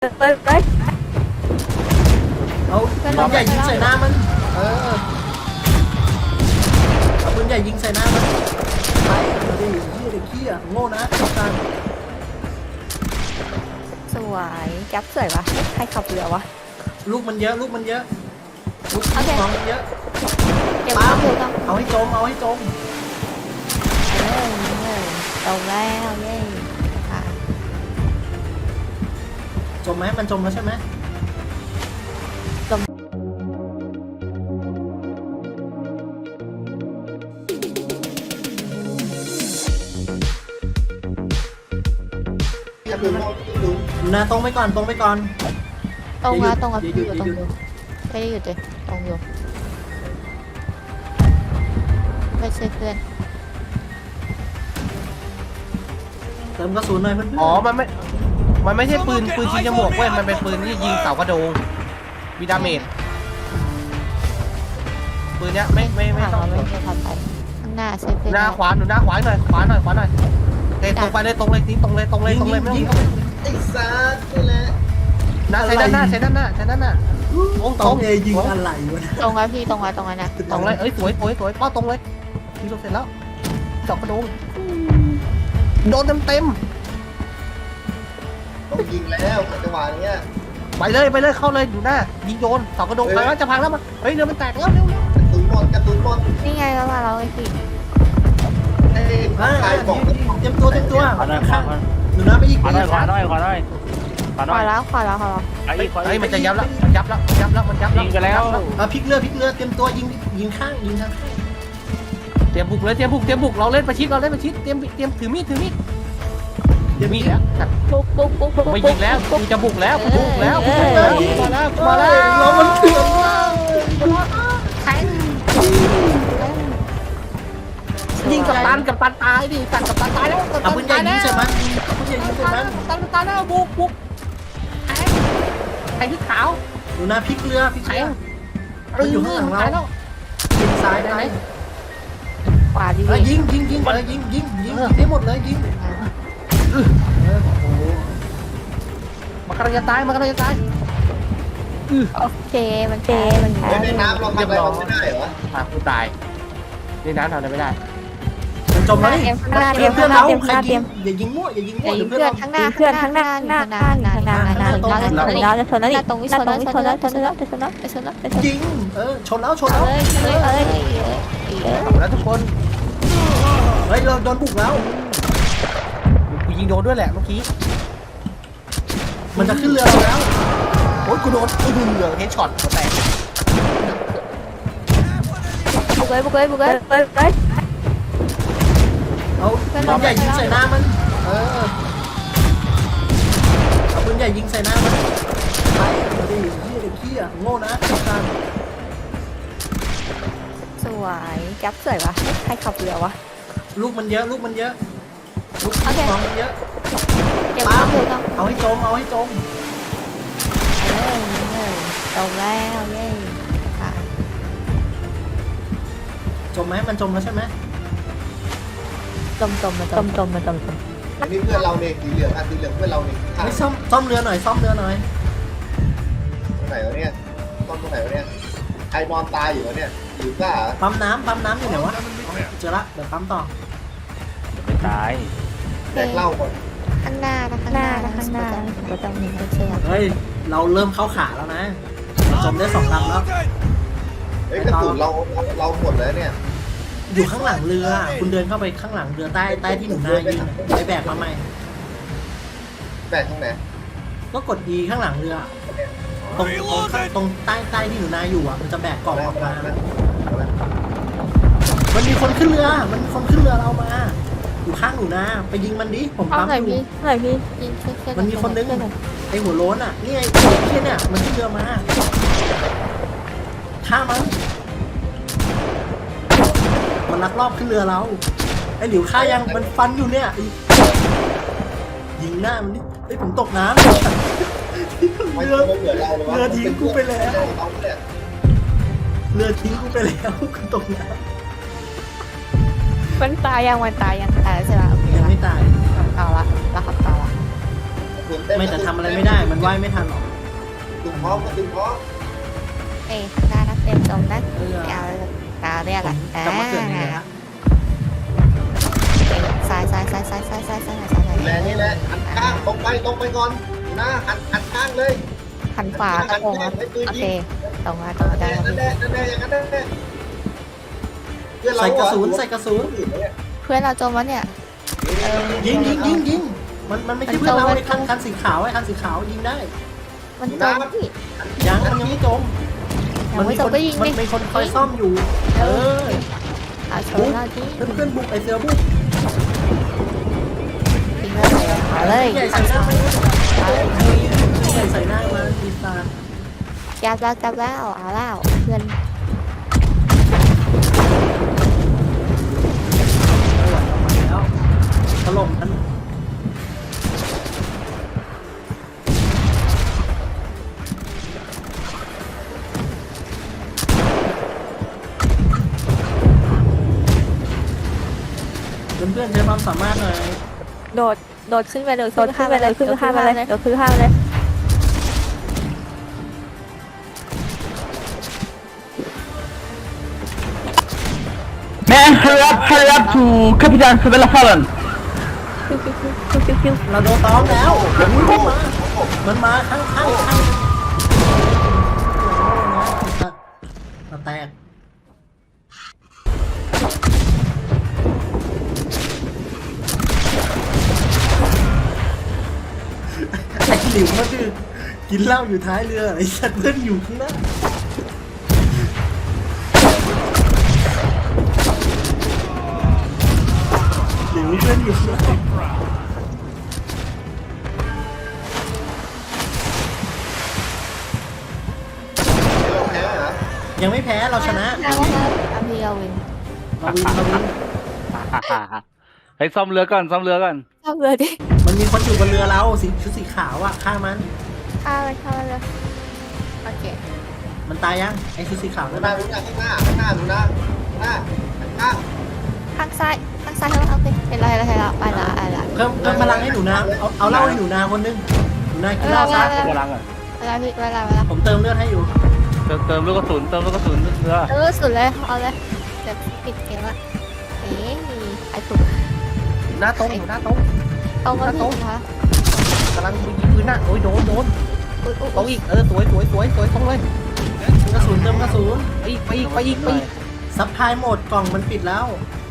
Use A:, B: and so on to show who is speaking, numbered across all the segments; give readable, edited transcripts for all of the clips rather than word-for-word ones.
A: ไป
B: เอาปืนใหญ่ยิงใส่หน้ามันเอาปืนใหญ่ยิงใส่หน้ามันไปเอาดิเด็กขี้อ่ะโง่นะการ
A: สวยจับสวยวะใครขับเรือวะ
B: ลูกมันเยอะลูกมันเยอะลูก
A: โอเค
B: ของมันเยอะ
A: เก็บ
B: ปั๊
A: ข้าม วต้อง
B: เอาให้จมเอาให้จม
A: ตรงแล้วเย้ค่ะ
B: จมไหมมันจมแล้วใช่ไหมนะตรงไปก่อนตรงไปก่อน
A: ตรงแล้วตรงแล้ว
B: อย่า
A: อ
B: หยุ
A: ยู่
B: ด
A: ตรง
B: อย่าหยุด
A: อยู่ไม่ได้หยุดเลยตรงอยู่ไม่ใช่เพื่อน
B: เติมกระสุนหน่อยเพื่อน
C: อ๋อ มันไม่ใช่ปืนยิงจมูกเว้ย มันเป็นปืนที่ยิงเสากระโดงมีดาเมจปืนเนี้ยไม่ต้
A: เรา
C: อง
A: ไม่ได้ทำไปข้างหน้าใช่เพื่อน
C: หน้าขวาหนูหน้าขวาหน่อยขวาหน่อยเตะตรงไปเลยตรงเลยทิ้งตรงเลยไม่ต้อง
B: ยิง
D: ไอ้สัตว์นี่แหละ
C: หน้าใช้ด้านหน้า
B: ตรงเอยิงอะไรวะ
A: ตรงแล้วพี่ตรงแล้วตรงแล้วนะ
C: ตรงเลยเอ้ยสวยป้าตรงเลยยิงเสร็จแล้วเสากระโดงโดนเต็ม
D: ต้องยิงแล้วจังหวะเนี้ย
C: ไปเลยเข้าเลยอยู่หน้ายิงโยนเสากระโดงพังแล้วจะพังแล้วมันเฮ้ยเรือมันแตกแล้วเร็ว
D: กระตุ้นหมด
A: นี่ไงแล้วมาเราไอ้พี่
D: ไอ้ตายบอก
B: เต็มตัวข้างหนูนะไปอีก
E: ขวาหน่อย
A: ขวาแล้ว
C: เฮ้ยมันจะยับแล้วมันยับแล้ว
E: ยิงกันแล้ว
B: พลิกเรือเต็มตัวยิงข้างยิงทาง
C: เตรียมบุกเราเล่นประชิดเตรียมถือมีดแล้ว
A: ปุ๊บ
C: ไม่ยิงแล้วกูจะบุกแล้วมาแล้ว
B: เรามันเถื่อนมาก
C: ยิงกับตันตายดิกับตันตายแล้ว
B: เอาปืนใหญ่ยิงใส่มันเอาปืนใหญ่ยิงใส่มัน
C: ตันตายแล้วบุกแทงที่ขาว
B: หนูนะพลิกเรือมันอยู่ข้างหลังเรา
C: แล้ว
B: ยิงซ้ายได้
A: ขวาดี
B: ยิงได้หมดเลยยิงโอ้โห
C: มันกำลังจะตาย
A: โอเคมันแพ้
D: ในน้ำเราทำอะไรไม่ได้เหรอ
C: กูตายนี่น้ำทำอะไรไม่ได้
B: มันจมแล้วนี่
A: ข้างหน้าเตรียม
B: เพื่
A: ข้า
B: อง น
A: หน้า
B: เรา
A: เตรียม
B: ใครยิงอย่ายิงมั่วเดี๋ยว
A: เพื่อนข้างหน้าเราจะชนแล้วนี่ตรงนี้ชนแล้ว
B: ยิงชนแล้ว
C: แล้วทุกคน
B: เฮ้ยเราโดนบุกแล้ว
C: กูยิงโดนด้วยแหละเมื่อกี้
B: มันจะขึ้นเรือเราแล้ว
C: โอ้ยกูโดนเหลืองเฮดช็อตหัวแตก
A: บุกเลย
B: เอาปืนใหญ่ยิงใส่หน้ามันเอาปืนใหญ่ยิงใส่หน้ามันไปเอาดิเด็กขี้อ่ะโง่นะการ
A: สวยจับสวยวะใครขับเรือวะ
B: ลูกมันเยอะลูกของมันเยอะ
A: เก็บข้าวต้อง
B: เอาให้จม
A: ตรงแล้วเย้ค่ะ
B: จมไหมมันจมแล้วใช่ไหม
A: จม
D: อันนี้เพื่อนเราเนี่ยสีเหลืองเพื่อนเราเนี่ย
B: ไม่ซ่อมเรือหน่อย
D: ตรงไหนวะเนี่ยตรงไหนวะเนี่ยไอนอนตายอยู่วะเนี่ยหรือว่า
B: ปั๊มน้ำอยู่ไหนวะเจอละเดี๋ยวปั๊มต่อ
E: ไม่ตาย
D: แดกเหล้าก่อน
A: ข้างหน้าก็ต้องมีเชือก
B: เฮ้ยเราเริ่มเข้าขาแล้วนะจมได้2 ลำแล้ว
D: เฮ้ยกระสุนเราหมดแล้วเนี่ย
B: อยู่ข้างหลังเรือคุณเดินเข้าไปข้างหลังเรือใต้ที่หนูนายืนไปแบกมาใหม่
D: แบกตรงไหน
B: ก็กด E ข้างหลังเรือตรงใต้ที่หนูนาอยู่อ่ะมันจะแบกกล่องออกมามันมีคนขึ้นเรือเรามาอยู่ข้างหนูนาไปยิงมันดิผมปั๊มอยู่
A: พี่ยิง
B: มันมีคนนึงไอหัวโล้นอ่ะนี่ไอ้เที่ยเนี่ยมันขึ้นเรือมาฆ่ามันลักลอบขึ้นเรือเราไอหลิวฆ่ายังมันฟันอยู่เนี่ยยิงหน้ามันนี่ไอผมตกน้ำเรือทิ้งกูไปแล้วกูตกน้ำ
A: มันตายยังตายใช่ไหมโอเค
B: ยังไม่ตาย
A: เอาละแล้วขับต่อละ
B: ร
D: สุนเต็ม
B: ไม่แต่ทำอะไรไม่ได้มันว่ายไม่ทันหรอก
D: ดึงพร้อมก็ดึงพร้อม
A: เอ้ยได้นะเต็มตรงนะ
B: เออ
A: เอาตาเรียกอ่ะ
B: กลับมาเกิดยังไงฮะ
A: ซ้าย
D: แรงนี่แหละหันข้างตรงไปก่อนนะหันข้างเลย
A: หันขวาตรงโอเคตรงมาตรงได้
D: นั่นแหละอย่างนั้นแหละเพื่อนเรา
B: ใส่กระสุนใส่กระสุน
A: เพื่อนเราจมวะเนี่ย
B: ยิงมันไม่ใช่เพื่อนเราไอ้คันสีขาวไอ้คันสีขาวยิงได้
A: มันจมพี่
B: มันยังไม่จม
A: ยังไม่จมก็ยิง
B: มัน
A: ดิ
B: มีคนคอยซ่อมอยู่ เออ
A: เอาโช
B: บุ
A: ว์
B: ก
A: เราที่
B: เพื่อนบุกไอเสือบุก
A: ทิ้งเลยเอาเลย
B: ใหญ่ใส่หน้ามาใหญ่ใส่หน้ามาดีตา
A: จับแล้วเอาแล้วเพื่อน
B: แล้วถล่มกันเพื่อนๆใช้ความสามารถหน่อย
A: โดดขึ้นไปเลยขึ้นข้ามไปเลยขึ้นข้ามไปเลยเดี๋ยวขึ้นข้ามไปเลย
F: Man, hurry up to Capitan Sabella Fallen.
B: เราโดนต้อมแล้วมันมาข้างเราแตกไอ้หลิวมันคือกินเหล้าอยู่ท้ายเรือไอ้สัตว์เพื่อนอยู่ข้างหน้าหลิวเพื่อนอยู่ข้างหน้า
D: เราแพ้เหรอ
B: ยังไม่แพ้เราชนะ
A: อาพีเอาวิน
B: เราวิน
E: เฮ้ยซ่อมเรือก่อน
A: ชอบเลยดิ
B: มันมีคนอยู่บนเรือเราชุดสีขาวอ่ะฆ่ามัน
A: ข้าเลยโอเค
B: มันตายยังไอ้ชุดสีขาว
D: ข้า
B: นั่
D: ง
B: น
D: หน้า
B: น่ะ
D: ข้างหน้าดูนะข้าง
A: ข้างซ้ายโอเคเห็นแล้วไปละ
B: เพิ่มพลังให้หนูนาเอาเหล้าให้หนูนาคนนึงหนูนากินเหล้าซะ
E: กำลังอ่ะ
A: เวลาพี่เวลา
B: ผมเติมเลือดให้อยู่
E: เติมลูกกระสุนเรือ
A: สุดเลยเอาเลยเดี๋ยวปิดเกมละเอ๊ะไอ้ถูก
C: หน้าตรงหน้าตรง
A: ตรงแล้วพี่คะ
C: กำลังยิงปืนหน้าโอ้ยโดนตรงอีกสวยตรงเลย
B: กระสุนเติมกระสุน
C: ไปอีก
B: ซับพลายหมดกล่องมันปิดแล้ว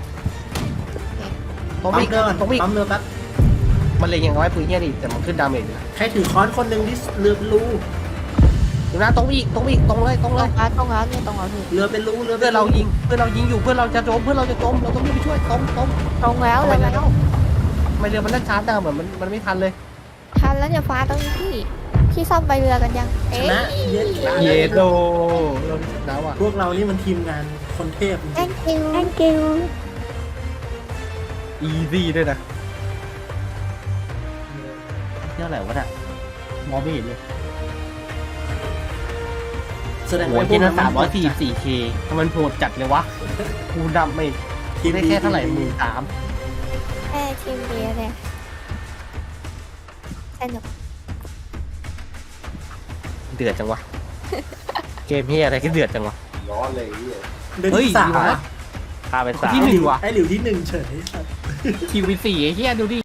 C: ตรง
B: ปั๊
C: อี
B: ม
C: ก
B: เรือก่อน
C: ตรงอีก
B: ปั๊มเรือแป๊บ
C: มันเลยยังน้อยปืนเนี่ยดิแต่มันขึ้นดาเมจอยู่
B: ใครถือค้อนคนหนึ่งที่เรือเป็นรู
C: อยู่หน้าตรงอีกตรงเลย
A: ตรงแล้วเนี่ยตรงแล้วพี่
B: เรือเป็นรูเรือ
C: เพื่อนเรายิงอยู่เพื่อนเราจะจมเราต้องรีบไปช่วยตรง
A: ตรงแล้วเลยแล้ว
C: ไม่เรือมันเล่นช้าจังเหมือนมันไม่ทันเลย
A: ทันแล้วเนี่ยฟ้าตรงนี้พี่ซ่อมใบเรือกันยัง
B: ช
A: เอ๊ะ
B: นะเย็ด
C: เยโดเราดาวอ่ะ
B: พวกเรานี่มันทีมงานคนเทพจริง
A: thank you
C: อีซี่ด้วยนะนี่อะไรวะเนี่ยมองไม่เห็นเลย
B: แสดง
C: โอ้
B: ว่าย พว
C: ที่
B: ก
C: นั่น
B: มัน
C: 344K ทำไมมันโหดจัดเลยวะกูดำไม่ได้แค่เท่าไหร่13,000
A: แค่ทีมเดียวเนี่ยสนุก
C: เดือดจังวะ เกมเฮียอะไรก็เดือดจังวะ
D: ร้อนเลย
B: เดิน
C: เฮ้ย
B: ที่สาม
C: ดีวะ
E: ฆ่าไป 3
C: ที่หนึ่งว่ะ
B: ไอ้หลิวที่หนึ่งเฉย
C: คิว4ไอ้เฮียดูดิ